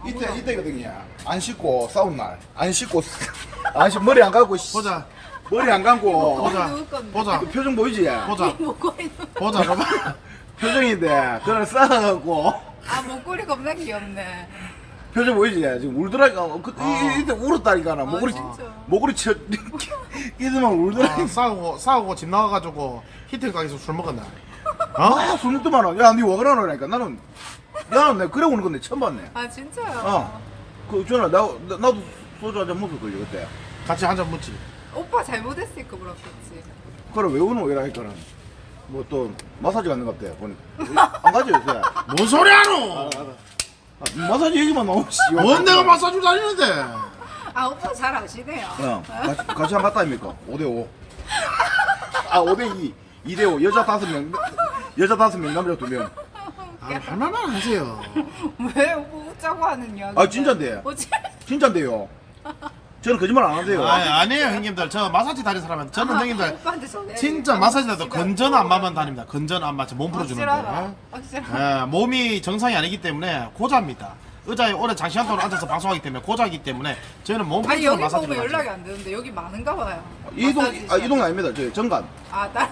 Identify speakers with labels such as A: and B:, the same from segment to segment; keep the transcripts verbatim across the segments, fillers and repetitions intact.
A: 이때 이때거든요. 안 씻고 싸운 날. 안 씻고 안 씻 머리 안 감고
B: 보자.
A: 머리 안 감고
B: 보자.
C: 누울 건데.
B: 보자.
A: 그 표정 보이지?
B: 보자.
C: 목걸이.
B: 보자. 봐봐.
A: 표정인데 그걸 싸갖고
C: 아 목걸이 겁나 귀엽네.
A: 표정 보이지? 지금 울더라니까. 어, 그,
B: 아.
A: 이, 이때 울었다니까 나. 목걸이
C: 진짜.
A: 목걸이 쳐 이들만 울더라니까.
B: 아, 싸우고 싸우고 집 나가가지고 히틀 가게에서 술 먹었나? 어?
A: 아, 술 먹더만 원. 야, 니와 그러노라니까. 나는 나는 내가 그래 오는 건데 처음 봤네.
C: 아 진짜요?
A: 어. 그 전에 나, 나 나도 소주 한잔 먹을 걸요 그때.
B: 같이 한 잔 묻지.
C: 오빠 잘못했으니까 그렇겠지.
A: 그래 왜 우노 이라니까는 뭐 또 마사지 갔는 것 같아 보니까 안 가지 요새.
B: 뭔 소리 하노?
A: 아, 마사지 얘기만 나오지.
B: 뭔 내가 마사지 다니는데?
C: 아 오빠 잘 아시네요.
A: 어, 같이, 같이 한 갔다 아닙니까? 오 대 오. 아, 오 대 이. 이 대 오. 여자 다섯 명, 여자 다섯 명, 남자 두 명.
B: 아, 할 말만 하세요.
C: 왜 오빠 웃자고 하는 이야기?
A: 아, 진짠데. 진짠데요. 저는 거짓말 안 하세요.
B: 아, 아니에요 형님들. 저 마사지 다니는 사람은 저는 형님들
C: 오빠한테 전해.
B: 진짜 마사지라도 건전 안마만 다닙니다. 건전 안마 몸 풀어주는데.
C: 확실하다.
B: 예, 몸이 정상이 아니기 때문에 고자입니다. 의자에 오래 장시간 동안 앉아서 방송하기 때문에 고자이기 때문에 저희는 몸
C: 아니
B: 풀어주는
C: 여기
B: 마사지를
C: 보면
B: 하죠.
C: 연락이 안 되는데 여기 많은가 봐요.
A: 이동,
C: 마사지
A: 아, 이동 아닙니다. 저 정관.
C: 아 다른.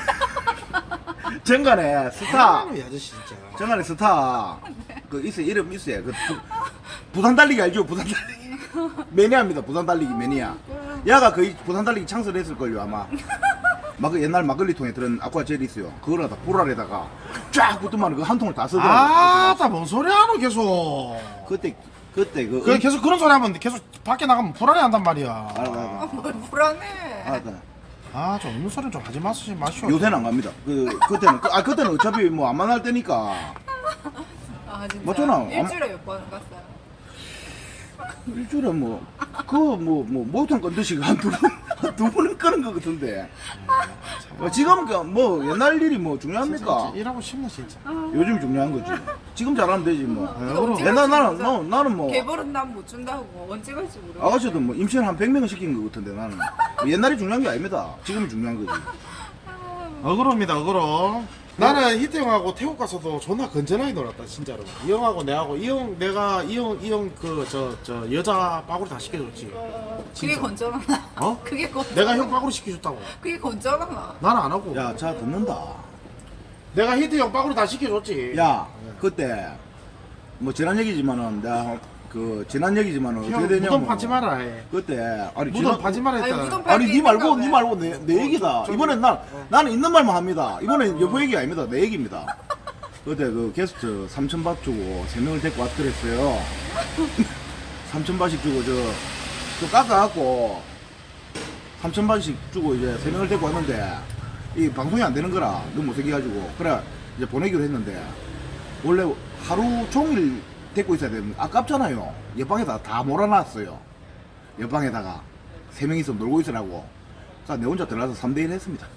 A: 정관에 스타.
B: 아유, 이 아저씨 진짜.
A: 정관에 스타. 그 있어요. 이름 있어요. 그 부, 부산 달리기 알죠? 부산 달리기. 매니아입니다. 부산 달리기 매니아. 야가 거의 부산 달리기 창설했을걸요 아마. 막 그 옛날 막걸리 통에 들은 아쿠아 젤이 있어요. 그걸 갖다 불알에다가 쫙 붙으면 그 한 통을 다 쓰더라고요.
B: 아, 나뭔 소리 하노 계속.
A: 그때 그때 그
B: 그 계속 그런 소리 하면 계속 밖에 나가면 불안해한단 말이야.
A: 알아 알아.
C: 아, 뭘 불안해.
A: 알아.
B: 아, 좀 없는 소리 좀 하지 마시 마시오.
A: 요새는 안 갑니다. 그 그때는 그, 아 그때는 어차피 뭐 안 만날 때니까
C: 아 진짜.
A: 맞잖아.
C: 일주일에 몇 번 갔어요?
A: 일주일에 뭐 그 뭐 뭐 목욕탕 건드시고 한두번두 번은 끄는 것 같은데. 뭐 지금 그 뭐 옛날 일이 뭐 중요합니까?
B: 일하고 싶네 진짜.
A: 요즘 중요한 거지. 지금 잘하면 되지 뭐.
C: 이거 언제
A: 옛날
C: 갈지
A: 나는
C: 모르겠어.
A: 나, 나는 뭐
C: 개벌은 난 못 준다고 언제 갈지 모르겠어.
A: 아가씨도 뭐 임신 한 백 명은 시킨 것 같은데 나는 뭐 옛날이 중요한 게 아닙니다. 지금이 중요한 거지.
B: 어그로입니다 어그로. 나는 히트 형하고 태국 가서도 존나 건전하게 놀았다 진짜로. 이 형하고 내하고 이 형 내가 이 형 이 형 그 저 저 여자 빠구리 다 시켜줬지.
C: 그게
B: 진짜.
C: 건전하나?
B: 어?
C: 그게 건.
B: 내가 형 빠구리 시켜줬다고.
C: 그게 건전하나?
B: 나는 안 하고.
A: 야, 자 듣는다.
B: 내가 히트 형 빠구리 다 시켜줬지.
A: 야, 그때 뭐 지난 얘기지만은 내가 그 지난 얘기지만은
B: 형
A: 어떻게 되냐면
B: 무덤 파지 마라 해.
A: 그때 아니
B: 무덤
A: 지난
B: 파지 마라
C: 아니,
B: 했잖아.
C: 무덤
A: 아니 니 말고
C: 있는가
A: 니
C: 왜?
A: 말고 내, 내 얘기다.
B: 저-
A: 이번엔 난 나는 있는 말만 합니다. 이번엔 여보 얘기 아닙니다. 내 얘기입니다. 그때 그 게스트 삼천 밭 주고 세 명을 데리고 왔더랬어요. 삼천 밭씩 주고 저또 깎아갖고 삼천 밭씩 주고 이제 세 명을 데리고 왔는데 이 방송이 안 되는 거라 너무 못생겨가지고 그래 이제 보내기로 했는데 원래 하루 종일 데리고 있어야 되면 아깝잖아요. 옆방에다 다 몰아놨어요. 옆방에다가 세 명이서 놀고 있으라고. 그러니까 내 혼자 들어가서 삼 대 일 했습니다.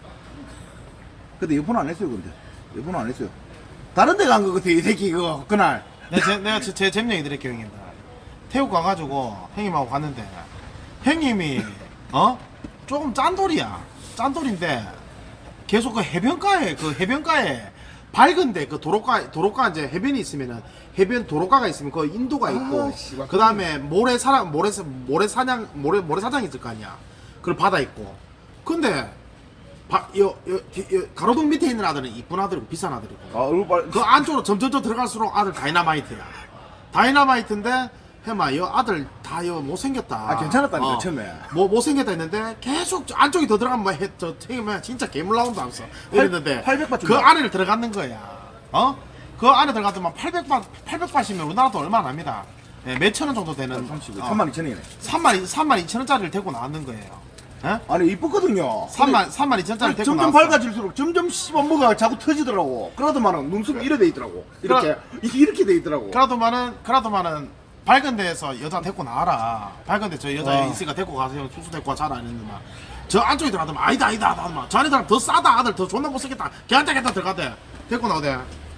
A: 근데 여포는 안 했어요, 근데. 여포는 안 했어요. 다른 데 간 거 같아, 이 새끼, 그거, 그날.
B: 내가 제, 내가 제, 제 잼명이 드릴게요 형님들. 태국 가가지고 형님하고 갔는데 형님이 어 조금 짠돌이야. 짠돌인데 계속 그 해변가에 그 해변가에 밝은데 그 도로가 도로가 이제 해변이 있으면은 해변 도로가가 있으면 그 인도가 있고
A: 아, 씨발.
B: 그 다음에 모래 사랑 모래 모래 사냥 모래 모래 사장이 있을 거 아니야. 그리고 바다 있고. 근데 바, 여, 여, 여, 가로등 밑에 있는 아들은 이쁜 아들이고 비싼 아들이고.
A: 아, 얼굴 빨
B: 그 안쪽으로 점점점 들어갈수록 아들 다이나마이트야. 다이나마이트인데 해마 여 아들 다 여 못생겼다.
A: 아, 괜찮았다니까, 처음에.
B: 뭐 못생겼다 했는데 계속 저 안쪽에 더 들어가면 뭐 해, 저 책임에 진짜 괴물 나온다 하면서 이랬는데
A: 팔백 바
B: 그
A: 준다.
B: 안에 들어가는 거야. 어? 그 안에 들어가더만 팔백 바 팔백 바시면 우리나라 돈 얼마 안 합니다. 예, 몇천 원 정도 되는
A: 삼십,
B: 어,
A: 삼만 이천이네.
B: 삼만 삼만 이천 원짜리를 데리고 나왔는 거예요. 예?
A: 아니, 이쁘거든요.
B: 삼만 삼만 이천 원짜리
A: 근데
B: 데리고
A: 점점
B: 나왔어.
A: 밝아질수록 점점 씹어 뭐가 자꾸 터지더라고. 그러더만은 눈썹이 이래 돼 있더라고. 이렇게, 이게 이렇게 돼 있더라고.
B: 그라도만은 그라도만은 밝은 데에서 여자 데리고 나와라. 밝은 데 저 여자
A: 와.
B: 있으니까 데리고 가세요. 수수 데리고 잘 안 했는데 막. 저 안쪽에 들어가더만 아니다 아니다 하더만 저 안에 들어가면 더 싸다 아들 더 존나 못생겼다. 걔한테 걔한테 들어가대. 데리고 나오대.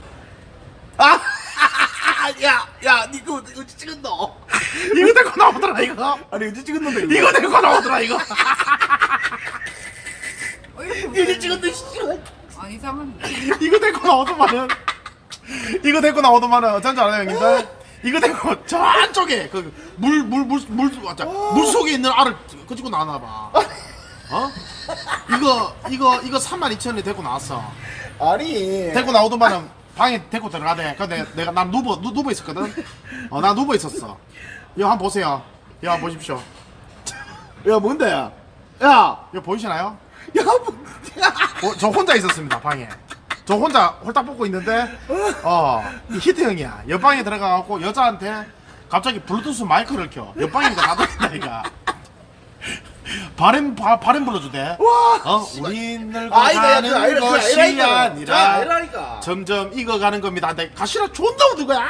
A: 아! 야, 야, 니 그거 어디 찍었노?
B: 이거 데리고 나오더라 이거.
A: 아니, 어디 찍었는데, 이거?
B: 이거 데리고 나오더라 이거.
C: 어, 이렇게
A: 어디 찍었는데, 씨발.
C: 안 이상한데.
B: 이거 데리고 나오더만은 이거 데리고 나오더만은 어쩐 줄 알아요 형님들? 이거 되고 저 안쪽에 그 물 물 물 물 물 속에 있는 알을 끄집고 나왔나 봐. 어? 이거 이거 이거 삼만 이천 원에 데리고 나왔어.
A: 아니
B: 데리고 나오더만은 방에 데리고 들어가대. 근데 내가 난 누워 누, 누워 있었거든. 어, 나 누워 있었어. 이거 한번 보세요. 이거 한번 보십시오.
A: 야 뭔데 야 야,
B: 이거 보이시나요?
A: 야, 뭐,
B: 어, 저 혼자 있었습니다 방에. 저 혼자 홀딱 뽑고 있는데 어 이 히트 형이야. 옆방에 들어가갖고 여자한테 갑자기 블루투스 마이크를 켜. 옆방이니까 다 들린다니까. 바램 바, 바램 불러주대.
A: 와,
B: 어 우린 늙어가는
A: 아이가 그 아이라 그
B: 것이
A: 아이라니까.
B: 아니라
A: 자, 아이라니까.
B: 점점 익어가는 겁니다. 근데 가시나 존나 웃는 거야.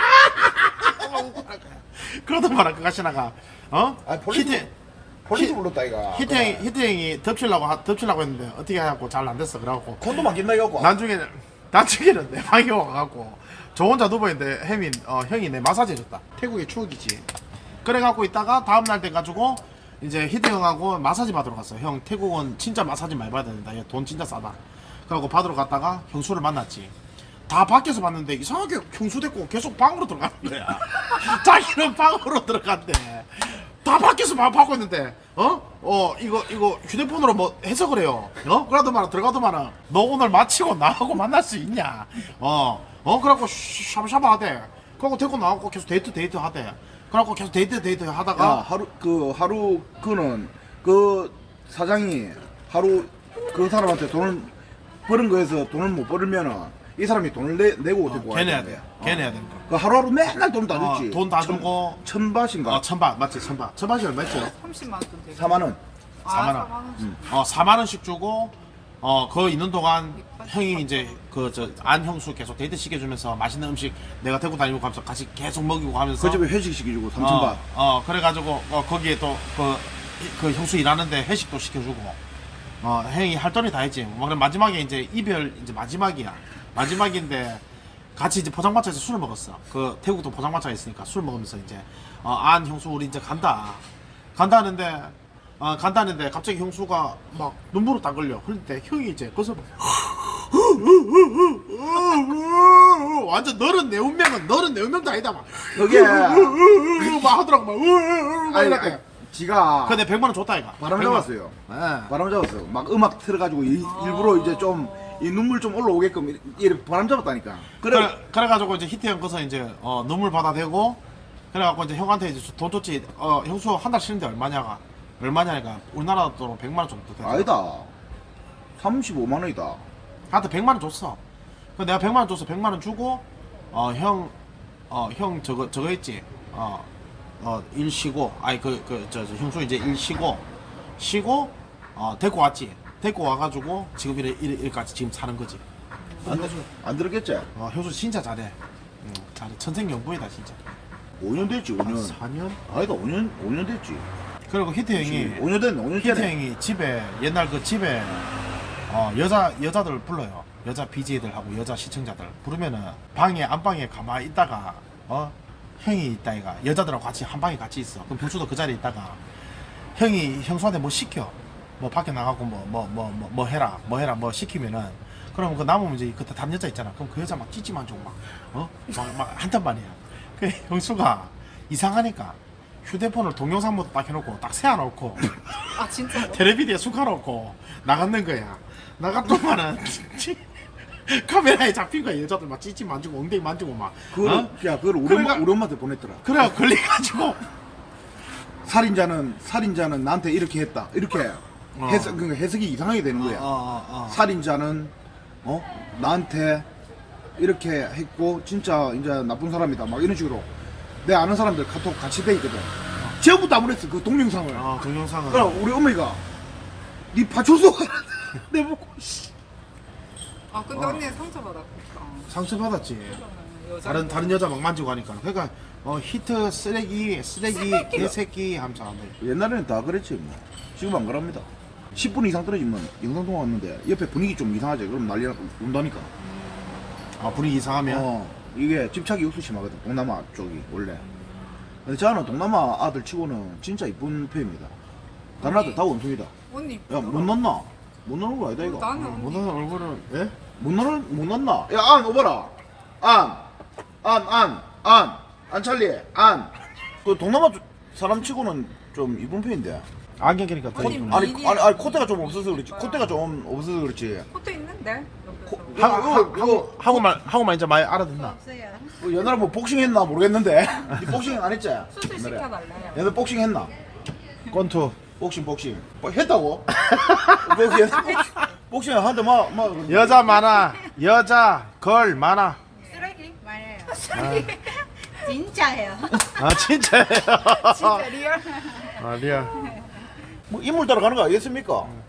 B: 그러던 말아 그 가시나가 어
A: 아, 폴리스,
B: 히트
A: 폴리스
B: 히-
A: 불렀다 이가.
B: 히트 형이 히트 형이 덮치려고 하- 덮치려고 했는데 어떻게 하고 잘 안 됐어. 그래갖고
A: 콘돔 안 낀다 이거.
B: 나중에는 나중에는 내 방에 와갖고 저 혼자 누워있는데 혜민 어, 형이 내 마사지 해줬다. 태국의 추억이지. 그래갖고 있다가 다음날 돼가지고 이제 히트 형하고 마사지 받으러 갔어. 형 태국은 진짜 마사지 많이 받아야 된다. 얘 돈 진짜 싸다. 그래갖고 받으러 갔다가 형수를 만났지. 다 밖에서 봤는데 이상하게 형수 됐고 계속 방으로 들어가는 거야. 자기는 방으로 들어간대. 다 밖에서 봐, 받고 있는데 어? 어 이거 이거 휴대폰으로 뭐 해석을 해요. 어? 그러도 말아 들어가도 말아 너 오늘 마치고 나하고 만날 수 있냐? 어? 어? 그래갖고 샤브샤브 하대. 그래갖고 데리고 나가고 계속 데이트 데이트 하대. 그래갖고 계속 데이트 데이트 하다가
A: 야, 하루 그 하루 그는 그 사장이 하루 그 사람한테 돈을 벌은 거에서 돈을 못 벌면은 이 사람이 돈을 내, 내고 데리고 와야
B: 걔 내야
A: 되는
B: 돼.
A: 거야.
B: 걔
A: 어.
B: 내야 되니까.
A: 그 하루하루 맨날 돈 다
B: 어,
A: 줬지.
B: 돈다 주고.
A: 천 바신가?
B: 어 천바 맞지 천바. 천바시 얼마였죠?
C: 삼십만 원 되게.
A: 사만 원.
B: 사만 원.
C: 원.
B: 어 사만 원씩 주고 어 그 있는 동안 형이 이제 그 저 안 형수 계속 데이트 시켜주면서 맛있는 음식 내가 데리고 다니고 가면서 같이 계속 먹이고 하면서
A: 그 집에 회식 시켜주고 삼천
B: 어,
A: 바.
B: 어 그래가지고 어 거기에 또 그 그 형수 일하는데 회식도 시켜주고 어 형이 할 돈이 다 했지. 뭐 그럼 마지막에 이제 이별 이제 마지막이야. 마지막인데 같이 이제 포장마차에서 술을 먹었어. 그 태국도 포장마차가 있으니까 술 먹으면서 이제 어, 안 형수 우리 이제 간다. 간다는데 어, 간다는데 갑자기 형수가 막 눈물을 딱 흘려. 흘릴 때 형이 이제 거기서 막 완전 너는 내 운명은 너는 내 운명도 아니다 막
A: 그게
B: 막 하더라고 막
A: 아니,
B: 이렇게.
A: 아니, 지가
B: 근데 백만 원 줬다 이가.
A: 바람
B: 백만 원.
A: 잡았어요.
B: 네.
A: 바람 잡았어요. 막 음악 틀어가지고 이- 일부러 이제 좀 이 눈물 좀 올라오게끔 이- 이렇게 바람 잡았다니까. 그래.
B: 그래 그래가지고 이제 히트 형 거서 이제 어, 눈물 받아대고 그래갖고 이제 형한테 이제 돈 줬지. 어 형수 한 달 쉬는데 얼마냐가 얼마냐니까 우리나라 돈으로 백만 원 정도 돼.
A: 아니다. 삼십오만 원이다.
B: 한테 백만 원 줬어. 그 내가 백만 원 줬어. 백만 원 주고 어 형 어 형 저거 저거 했지. 어 어 일 쉬고 아니 그 그 저 형수 이제 일 쉬고 쉬고 어 데리고 왔지. 데리고 와가지고 지금 이래 이래 이래까지 지금 사는 거지.
A: 안, 들- 안 들었겠지?
B: 어 형수 진짜 잘해. 응, 잘해. 천생연분이다 진짜.
A: 오 년 됐지, 오 년.
B: 사 년?
A: 아니다, 오 년, 오 년 됐지.
B: 그리고 히트 형이
A: 오 년 됐네, 오 년
B: 히트
A: 전에.
B: 형이 집에 옛날 그 집에 어 여자 여자들 불러요. 여자 비제이들하고 여자 시청자들 부르면은 방에 안방에 가만히 있다가 어 형이 있다 이가 여자들하고 같이 한 방에 같이 있어. 그럼 불수도 그 자리에 있다가 형이 형수한테 뭐 시켜. 뭐 밖에 나가고 뭐 뭐 뭐 뭐 뭐 해라 뭐 해라 뭐 시키면은 그럼 그 남으면 이제 그때 다른 여자 있잖아. 그럼 그 여자 막 찌찌만 주고 막어막막 한단 말이야. 그 형수가 이상하니까 휴대폰을 동영상 모드 딱 해놓고 딱 세워놓고
C: 아 진짜.
B: 텔레비디에 숙여놓고 나갔는 거야. 나갔더만은 카메라에 잡힌 거야. 여자들 막 찌찌 만지고 엉덩이 만지고 막
A: 그걸,
B: 어?
A: 야, 그걸 우리, 엄마,
B: 그래가-
A: 우리 엄마한테 보냈더라.
B: 그래 걸려가지고
A: 살인자는, 살인자는 나한테 이렇게 했다. 이렇게
B: 어.
A: 해석, 그러니까 해석이 이상하게 되는 거야.
B: 어, 어, 어.
A: 살인자는, 어? 나한테 이렇게 했고, 진짜 이제 나쁜 사람이다. 막 이런 식으로. 내 아는 사람들 카톡 같이 돼 있거든. 전부 다 보냈어, 그 동영상을.
B: 어, 동영상은
A: 그럼 우리 어머니가, 니 파출소 가라. 내 보고, 씨.
C: 아 근데
B: 어.
C: 언니 상처 받았겠다.
B: 상처 받았지.
C: 여자.
B: 다른 다른 여자 막 만지고 하니까. 그러니까 어 히트 쓰레기 쓰레기 개새끼 하면서 안 돼.
A: 옛날에는 다 그랬지 뭐. 지금 안 그럽니다. 십 분 이상 떨어지면 영상 통화 왔는데 옆에 분위기 좀 이상하지. 그럼 난리 난다니까.
B: 아 분위기 이상하면.
A: 어, 이게 집착이 육수 심하거든. 동남아 쪽이 원래. 근데 저는 동남아 아들 치고는 진짜 이쁜 편입니다. 다른 아들 다 원숭이다.
C: 언니.
A: 야, 못 넣나? 못 넣는 거 아니다 이거.
C: 나는
B: 어,
C: 언니.
B: 못하는 얼굴은 예?
A: 못 넣는 못 넣나? 야, 안 오봐라. 안, 안, 안, 안. 안찰리 안. 그 동남아 주- 사람 치고는 좀 이쁜 편인데.
B: 안경 끼니까 더
C: 아니,
B: 이쁘네.
A: 아니
C: 미니-
A: 아니 아니 콧대가 좀 없어서 그렇지. 콧대가 좀 없어서 그렇지.
C: 코트 있는데?
A: 코,
C: 옆에서.
A: 하,
B: 하-
A: 이거, 이거
B: 한국말 한국말 이제 많이 알아듣나?
D: 없어요.
A: 뭐 옛날에 뭐 복싱 했나 모르겠는데. 니 복싱 안 했지?
C: 수술
A: 옛날에.
C: 시켜달래.
A: 옛날 복싱 했나?
B: 권투.
A: 복싱 복싱. 뭐 했다고? 뭐 옛날 복싱, 복싱 한대 막막
B: 여자 많아. 여자 걸 많아.
D: 쓰레기 많아요. 진짜예요.
B: 아 진짜예요.
C: 진짜 리얼.
B: 아 리얼.
A: 뭐 인물 따라가는 거 아니겠습니까?